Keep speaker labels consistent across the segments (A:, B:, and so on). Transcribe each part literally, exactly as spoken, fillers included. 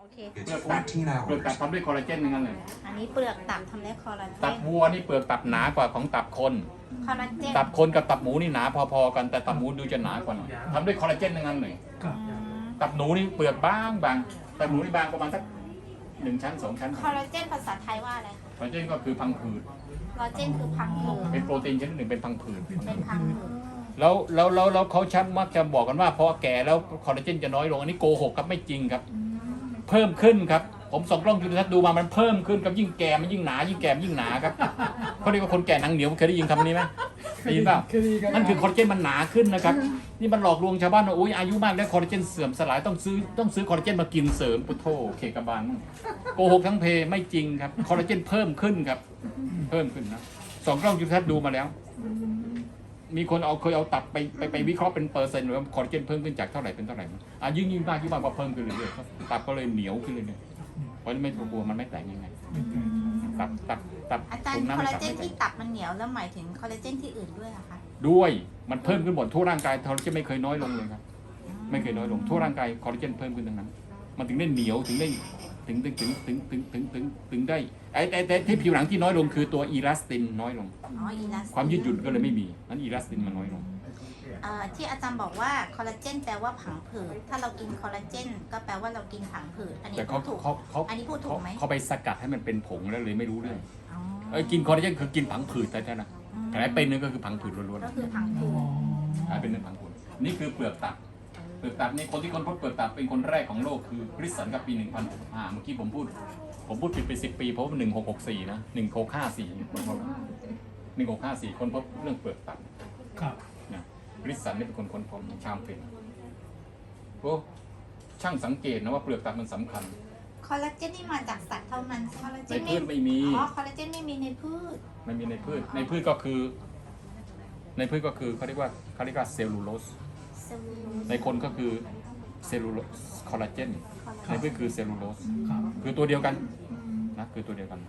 A: เค
B: เปลือกตับเปลือกตับทำด้วยคอลลาเจนทั้งนั้นเลย
A: อันนี้เปลือกตับทำได้คอลลาเจ
B: ตับ
A: น
B: วัวนี่เปลือกตับหนากว่าของตับคน
A: คอลลาเจน
B: ตับคนกับตับหมูนี่หนาพอๆกันแต่ตับหมูดูจะหนากว่าหน่อยทำด้วยคอลลาเจนทั้งนั้นเลย
A: อืม
B: ตับหนูนี่เปลือกบางบางตับหมูนี่บางประมาณสักหนึ่งชั้นสองชั้น
A: คอลลาเจนภาษาไทยว่าอะไรคะ
B: คอลลาเจนก็คือพังผืด
A: คอลลาเจนคือพังผืด
B: เป็นโปรตีนชนิดหนึ่งเป็นพังผืด
A: เป็นพังผืด
B: แล้วแล้วแล้วแล้วเขาชัดมักจะบอกกันว่าพอแก่แล้วคอลลาเจนจะน้อยลงอันนี้โกหกครับไม่จริงครับ
A: อืม
B: เพิ่มขึ้นครับผมส่องกล้องจุลทรรศน์ดูมามันเพิ่มขึ้นกับยิ่งแก่มันยิ่งหนายิ่งแก่มันยิ่งหนาครับเขาเรียกว่าคนแก่หนังเหนียวเคยได้ยินคำนี้ไหมได้ยินเปล่านั่นคือคอลลาเจนมันหนาขึ้นนะครับนี่มันหลอกลวงชาวบ้านว่าโอ้ยอายุมากแล้วคอลลาเจนเสื่อมสลายต้องซื้อต้องซื้อคอลลาเจนมากินเสริมปุโธเคกบาลโกหกทั้งเพไม่จริงครับคอลลาเจนเพิ่มขึ้นครับเพิ่มขึ้นนะส่องกล้องจุลทรรศน์ดูมาแล้ว มีคนเอาเคยเอาตับไปไปไปวิเคราะห์เป็นเปอร์เซ็นต์หรือว่าคอลลาเจนเพิ่มขึ้นจากเท่าไหร่เป็นเท่าไหร่มั้งอ่ะยิ่งยิ่งมากยิ่งมากก็เพิ่มขึ้นเรื่อยๆตับก็เลยเหนียวขึ้นเรื่อยๆเพราะไม่กลัวมันไม่แตกยังไงตับตับตับ
A: อาจารย์
B: ตุ่มน้ำ
A: คอล
B: ใน
A: ลา
B: ตับ
A: เจน
B: ไม่แต
A: ที่
B: ก
A: ตับมันเหนียวแล้วหมายถึงคอลลาเจนที่อื่นด้วยเหรอคะ
B: ด้วยมันเพิ่มขึ้นหมดทั่วร่างกายคอลลาเจนไม่เคยน้อยลงเลยครับไม่เคยน้อยลงทั่วร่างกายคอลลาเจนเพิ่มขึ้นทั้งนั้น มันถึงได้เหนียวถึงได้ถึงถึงถึงถึงถึงถึงถึงถึงได้ไอ้แต่ที่ผิวหนังที่น้อยลงคือตัวอีลาสตินน้อยลง
A: อ๋ออีลาสติน
B: ความยืดหยุ่นก็เลยไม่มีนั้นอีลาสตินมันน้อยลง
A: เอ่อที่อาจารย์บอกว่าคอลลาเจนแปลว่าผังผืดถ้าเรากินคอลลาเจนก็แปลว่าเรากินผังผืดอันนี้
B: แต่
A: พู
B: เขา
A: ดถูก
B: เขาเขา
A: อันนี้พูดถูกไหม
B: เขาไปสกัดให้มันเป็นผงแล้วเลยไม่รู้เรื่อง
A: อ๋อ
B: เอ้ยกินคอลลาเจนคือกินผังผืดแต่นะ
A: อืม
B: แผลเป็นนี่ก็คือผังผืดล้วน
A: ก็คือผังผืด
B: ๆแผลเป็นเรื่องผังผืดนี่คือเปลือกตับเปลือกตับนี่คนที่ค้นพบเปลือกตับเป็นคนแรกของโลกคือคริสสันกับปีหนึ่งพันอ่าเมื่อกี้ผมพูดผมพูดผิดไปสิบปีเพราะว่าหนึ่งหกหกสี่นะหนึ่งหกห้าสี่หนึ่งหกห้าสี่คนพบเรื่องเปลือกตับ
C: ครับ
B: นะคริสสันนี่เป็นคนค้นพบชามเป็นโอ้ช่างสังเกตนะว่าเปลือกตับมันสำคัญ
A: คอลลาเจนนี่มาจากสัตว์เท่านั้นคอลลาเจ
B: ใน
A: น
B: พืชไม่มี
A: อ๋อคอลลาเจนไม่มีในพืช
B: ไม่มีในพืช ในพืชก็คือ ในพืชก็คือเขาเรียกว่าเขาเรียกว่าเซลลูโลส
A: เซลลูโลส
B: ในคนก็คือเซลลูโลสคอลลาเจน ในพืชคือเซลลูโลส
C: ครับ
B: คือตัวเดียวกันนะคือตัวเดียวกัน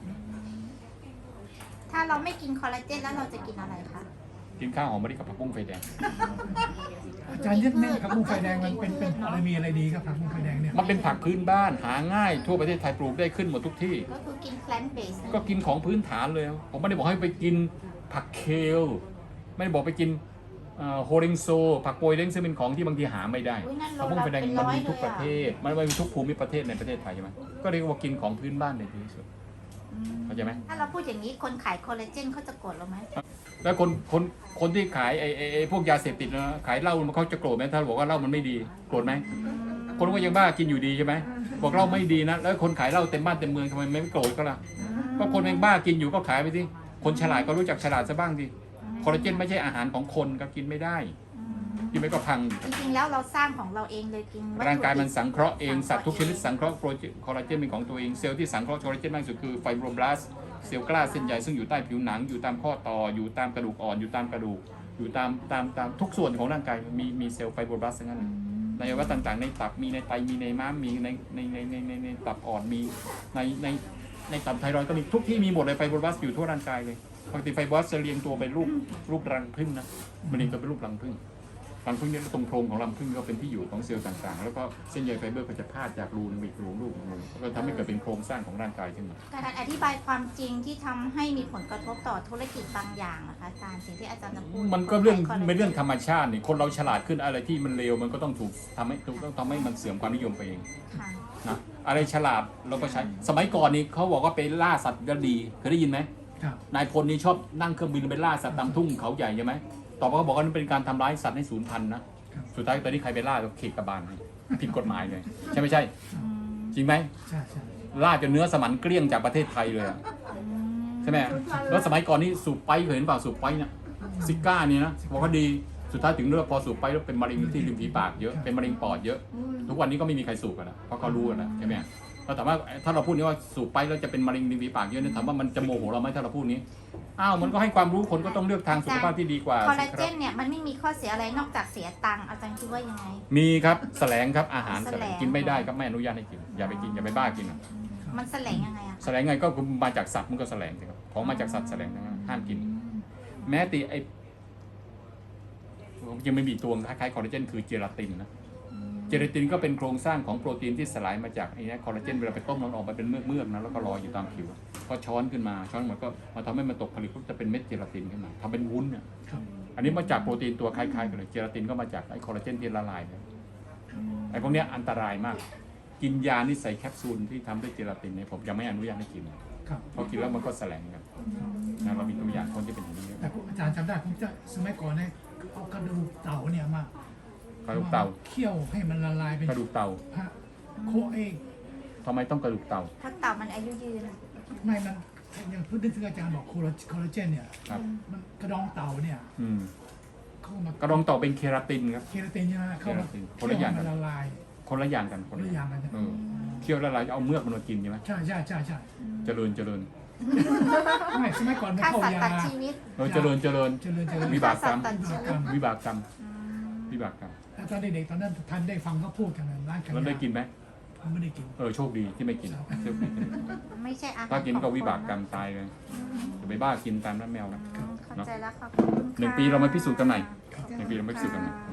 A: ถ้าเราไม่กินคอลลาเจนแล้วเราจะกินอะไรคะ
B: กินข้าวหอมมะลิกับผักบุ้งไฟแดง
C: อาจารย์ยึดแน่นครับมุ้งไฟแดงมันเป็นเป็นอะไรมีอะไรดีครับครับมุ้งไฟแดงเนี่ย
B: มันเป็นผักพื้นบ้านหาง่ายทั่วประเทศไทยปลูกได้ขึ้นหมดทุกที่
A: ก็คือกิน plant based
B: ก็กินของพื้นฐานเลย ผมไม่ได้บอกให้ไปกินผักเคล ไม่ได้บอกไปกินโฮริงโซ ผักโปยเล้งซึ่งเป็นของที่บางทีหาไม่ได้
A: อุ๊ยนั่น
B: ผักบุ้งไฟแดง
A: เป็น
B: มัน
A: ร้อย
B: มีทุก
A: เลย
B: ประ
A: อะ
B: เทศ มันมีทุกภูมิประเทศในประเทศไทยใช่ไหมก็เรียกว่ากินของพื้นบ้านในที่สุด
A: อืม
B: เข้าใจไหม
A: ถ้าเราพูดอย่างนี้คนขายคอลลาเจนเขาจะโกรธเราไหม
B: แล้วคนคนคนที่ขายไอ้ไอ้ไอ้พวกยาเสพติดนะขายเหล้ามันเขาจะโกรธไหมถ้าบอกว่าเหล้ามันไม่ดีโกรธไหมคนก็ยังบ้ากินอยู่ดีใช่ไหมบอกเหล้าไม่ดีนะแล้วคนขายเหล้าเต็มบ้านเต็มเมืองทำไมไม่โกรธก็ล่ะก็คนยังบ้ากินอยู่ก็ขายไปสิคนฉลาดก็รู้จักฉลาดซะบ้างดิคอลลาเจนไม่ใช่อาหารของคนก็กินไม่ได้กินไม่ก็พัง
A: จริงๆแล้วเราสร้างของเราเองเลยกินวัตถุดิบ
B: ร่างกายมันสังเคราะห์เองสัตว์ทุกชนิดสังเคราะห์โปรตีนคอลลาเจนเป็นของตัวเองเซลล์ที่สังเคราะห์คอลลาเจนมากที่สุดคือไฟโบรบลาสต์เซลล์กล้าเส้นใยซึ่งอยู่ใต้ผิวหนังอยู่ตามข้อต่ออยู่ตามกระดูกอ่อนอยู่ตามกระดูกอยู่ตามตามตามทุกส่วนของร่างกายมีมีเซลล์ไฟโบรบลาสต์ทั้งนั้นในอวัยวะต่างๆในตับมีในไตมีในม้ามมีในในในในในในตับอ่อนมีในในในตับไทรอยด์ก็มีทุกที่มีหมดเลยไฟโบรบลาสต์อยู่ทั่วร่างกายเลยปกติไฟโบรบลาสต์จะเรียงตัวเป็นรูปรูปรังผึ้งนะมันเรียงตัวเป็นรูปรังผึ้งรังผึ้งเนี่ยตรงโพรงของรังผึ้งก็เป็นที่อยู่ของเซลล์ต่างๆแล้วก็เส้นใยไฟเบอร์ก็จะพาดจากรูนึงไปอีกรูรูปนึงแล้วก็ทำให้เกิดเป็นโครงสร้างของร่างกายขึ้นมา
A: การอธิบายความจริงที่ทำให้มีผลกระทบต่อธุรกิจบางอย่างนะคะอาจารย์สิ่งที่อาจารย์จะพูด
B: มันก็เรื่อง
A: คลลาจ
B: เป็นเรื่องธรรมชาตินี่คนเราฉลาดขึ้นอะไรที่มันเลวมันก็ต้องถูกทำให้ต้องทำให้มันเสื่อมความนิยมไปเอง
A: ค่ะ
B: นะอะไรฉลาดเราก็ใช้สมัยก่อนนี่เขาบอกว่าไปล่าสัตว์ก็ดีเคยได้ยินไหม
C: ครับ
B: นายพลนี่ชอบนั่งเครื่องบินไปล่าสัตว์ตามทุ่งเขาใหญ่ใช่ไหมต่อมาเขาบอกว่านั่นเป็นการทำร้ายสัตว์ให้สูญพันธุ์นะสุดท้ายตอนนี้ใครไปล่าก็เขกกระบาลให้ผิดกฎหมายเลยใช่ไม่ใช่
A: อืม
B: จริงไหม
C: ใช่ใช่
B: ล่าจนเนื้อสมันเกลี้ยงจากประเทศไทยเลยอะ ใช่ไหมแล้วสมัยก่อนนี่สูบไปเคยเห็นเปล่าสูบไปเนี่ยซิก้านี่นะบอกว่าดีสุดท้ายถึงเรื่องพอสูบไปแล้วเป็นมะเร็งที่ริมฝีปากเยอะเป็นมะเร็งปอดเยอะทุกวันนี้ก็ไม่มีใครสูบกันแล้วเพราะเขารู้กันแล้วใช่ไหมเราถามว่าถ้าเราพูดนี้ว่าสูบไปแล้วจะเป็นมะเร็งริมฝีปากเยอะเนี่ยถามว่ามันจะโมโหเราไหมถ้าเราพูดนี้อ้าวมันก็ให้ความรู้คนก็ต้องเลือกทางสุขภาพที่ดีกว่า
A: คอลลา
B: สิค
A: เจ
B: รับ
A: นเนี่ยมันไม่มีข้อเสียอะไรนอกจากเสียตังค์อาจารย์คิดว่ายังไง
B: มีครับแสลงครับอาหารแสลง
A: แสลง
B: กินไม่ได้ครับไม่อนุญาตให้กินอย่าไปกินอย่าไปบ้ากินอะ
A: มันแสลงยังไงอะ
B: แสลงไงก็คือมาจากสัตว์มันก็แสลงสิครับของมาจากสัตว์แสลงนะห้ามกิน แม้แต่ไอผมยังไม่มีตัวคล้ายๆคอลลาเจนคือเจลาตินนะ
A: อืม
B: เจลาตินก็เป็นโครงสร้างของโปรตีนที่สลายมาจากไอ้นี่คอลลาเจนเวลาไปต้มมันออกมาเป็นเมือกเมือกๆนะแล้วก็ลอยอยู่ตามผิวก็ช้อนขึ้นมาช้อนมันก็มาทำให้มันตกผลึกก็จะเป็นเม็ดเจลาตินขึ้นมาทำเป็นวุ้นเนี่ย
C: ครับ
B: อันนี้มาจากโปรตีนตัวคล้ายๆกันเลยเจลาตินก็มาจากไอ้คอลลาเจนที่ละลายเนี่ยไอ้พวกเนี้ยอันตรายมาก กินยานี่ใส่แคปซูลที่ทำด้วยเจลาตินเนี่ยผมยังไม่อนุญาตให้กิน
C: ครับ
B: เพราะกินแล้วมันก็แสลงกันนะเรามีตัวอย่างคนที่เป็นอย่างนี้
C: แต่ผมอาจารย์จำได้ผมจะสมัยก่อนเนี่ยเอากระดูกเต่าเนี่ยมาก
B: ระดูกเต่า
C: เคี่ยวให้มันละลายเป็น
B: กระดูกเต่า
C: ฮะโคเอง
B: ทำไมต้องกระดูกเต่า
A: ถ้าเต่ามันอายุยืน
C: ไม่มันอย่างพูดถึงอาจารย์บอกโคลาคอลลาเจนเนี่ย
B: ครับ
C: มันกระดองเต่าเนี่ย
B: อืม
C: เข้ามาก
B: ระดองเต่าเป็นเคราตินครับ
C: เคราตินใช่ไหมเข้ามา
B: เคราตินค
C: เคี่
B: น
C: ยว
B: ละอย่าง
C: ให้
B: กั
C: มัน นละลาย
B: คนละอย่างกัน
C: คนละอย่างกัน
B: เออเคี่ยวละลายเอาเมือกมันมากินใช่ไหม
C: ใช่ใช่ใช่ใช่
B: เจริญเจริญ
C: ไม่สมัยก่อนมัน
A: ฆ่า
C: เข้า
A: สัตว์
C: ยา
A: ตัดชีวิต
B: เออเจริญเจริญ
C: เจริญเจริญ
B: วิบากกรรม
A: ฆ่าสัตว์ตัดชีวิต
B: วิบากกรรมวิบากกรรม
C: แล้วตอนเด็กๆตอนนั้นท่านได้ฟังเขาพูดกันนะร้านขาย
B: แล้วได้กินไหม
C: ผมไม่ได้กิน
B: เออโชคดีที่ไม่กินโชคดี
A: ไม่ใช่อาหาร
B: ถ้ากินก็
A: ของ
B: วิบากกรรม
A: คนนะ
B: ตายเลยจะไปบ้ากินตามน้ำแมวนะ
A: อืมเข้าใจแล้วค่ะขอบคุณ
B: หนึ่ง
A: ค่ะ
B: ปีเรามาพิสูจน์กันใหม่
A: ขอบคุณ
B: หนึ่งปีเรามาพิสูจน์กันใหม่
A: ค่ะ